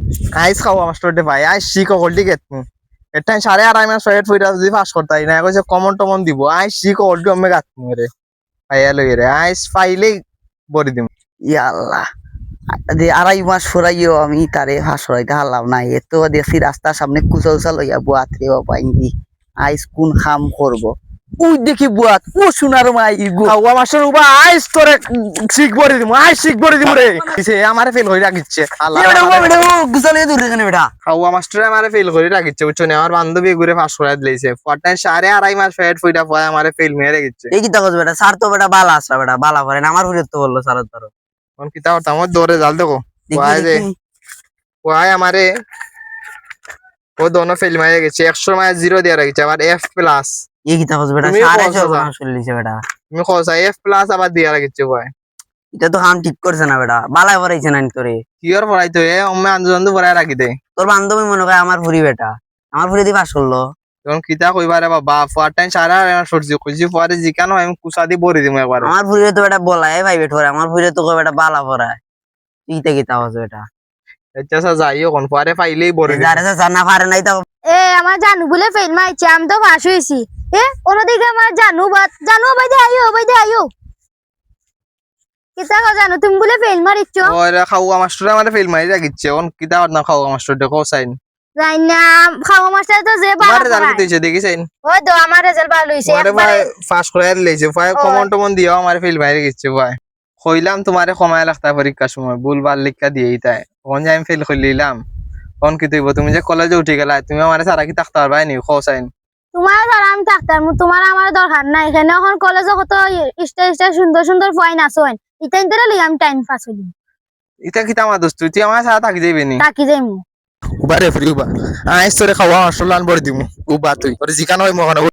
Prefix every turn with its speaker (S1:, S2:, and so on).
S1: আইস খাওয়া মাস্টার দে ভাই আইস শিখ হলটি গেত এটা 2.5 মাস ওয়েট ফইরা যদি পাস করতাই না কইছে কমন টমন দিব আইস শিখ হলটি আমি গাত রে ভাইয়া লই রে আইস ফাইলেই বড়ি দিম।
S2: ইয়াল্লাহ, 2.5 মাস ফুরাইও আমি তারে হাসরাইতে হারলাম না। এত দেখছি রাস্তার সামনে কুচা উচা লইয়া বুয়াত রে বাবা ইন্দি আইস কোন খাম করব। উই দেখি বুয়াত ও সোনার মাই গো
S1: খাওয়া মাস্টার উবা আইস তোরে শিখ বড়ি দিম আইস শিখ বড়ি দিম রে সে আমারে ফেল হই রাখিচ্ছে আল্লাহ
S2: বেটা বেটা গুছা লইয়া দূরে কেন বেটা?
S1: খাওয়া মাস্টার আমারে ফেল করে রাখিচ্ছে বুঝছো না আমার বান্ধবী ঘুরে পাস করাই দিয়েছে পটাই 2.5 মাস ওয়েট ফইরা পয় আমারে ফেল মেরে রেখেছে।
S2: এই কি তাকস বেটা, স্যার তো বেটা বালা আসরা বেটা বালা করেন, আমার হুরে তো বললো স্যার ধরো
S1: কোন কিতা করতাম ওর দৌড়ে জাল দেখো ওয়াই যে ওয়াই আমারে ও দোনো ফেল মেরে গেছে 100 মাস 0 দিয়ে রাখিছে আবার F প্লাস।
S2: এই কি তাকস বেটা,
S1: তুমিও
S2: স্যার
S1: বলছো
S2: এসে
S1: না।
S2: শুনলিছে বেটা।
S1: তুমি খোসা F প্লাস আবার দিয়ে রাখিছে ওয়াই
S2: এটা তো হাম ঠিক করছে না বেটা, বালায় পড়াইছে না তোরে।
S1: কি আর পড়াইতো এ অম্মে আন্দোলন পড়াই রাখি দে
S2: তোর বান্ধবী মনে করে আমার ভুরি বেটা, আমার ভুরি দিয়ে পাস করলো।
S1: তখন কিতা কইবারে বাবা পটাই 2.5 মাস সরজি কইছি পরে জিকানো আমি কুসা দি বড়ি দিম একবার।
S2: আমার ভুরি তো বেটা বলায় ভাই বেটা, আমার ভুরি তো বেটা বালা পড়ায়। তুই তে কি তাকস বেটা,
S1: আচ্ছা যাইও কোন পরে পাইলেই বড়ি দিম।
S2: যারে স্যার না পারে নাই তো
S3: আমার জানু বলে ফেল মাইছে আমি তো পাস হইছি। অন্যদিকে আমার জানু ভাই দে আইও কিতা কো জানু তুমি বলে ফেল মারিছো।
S1: ওরে খাওয়া মাস্টার আমারে ফেল মারি রাখিছে কোন কিতা না খাওয়া মাস্টার দেখো সাইন
S3: জানি না খাওয়া মাস্টার তো যে
S1: মারে
S3: ভালো
S1: জাল
S3: পড়ায়।
S1: দিতেছে দেখিছেন
S3: ওই তো আমার রেজাল্ট ভালো হইছে
S1: পরে ভাই
S3: একবারে।
S1: পাস করে লইছে ভাই কমন টমন দিও আমারে ফেল মারি গেছে ভাই কইলাম তোমারে সময় লাগতা পরীক্ষার সময় ভুলভাল লিখা দিয়েই তাই কোন যে আমি ফেল কইলাম কোন কি তুইব তুমি যে কলেজে উঠে গেলা তুমি আমারে সারা কি থাকতে পারবাই নি খোসাইন
S3: তোমার আর আমি থাকতাম তোমার আমার দরকার নাই এখানে এখন কলেজে কত স্টেজ সুন্দর সুন্দর পয়েন্ট আছে এটা ইন্তরে লই আমি টাইম পাস হইলি
S1: এটা কি আমার দোস্ত তুই আমার সাথে থাকি যাইবি নি
S3: তাকি যাইমু
S1: উবা রে ফ্রি উবা আইস তোরে খাওয়া মাস্টার লান বড় দিমু উবা তুই ওরে জিকানো হয় মহান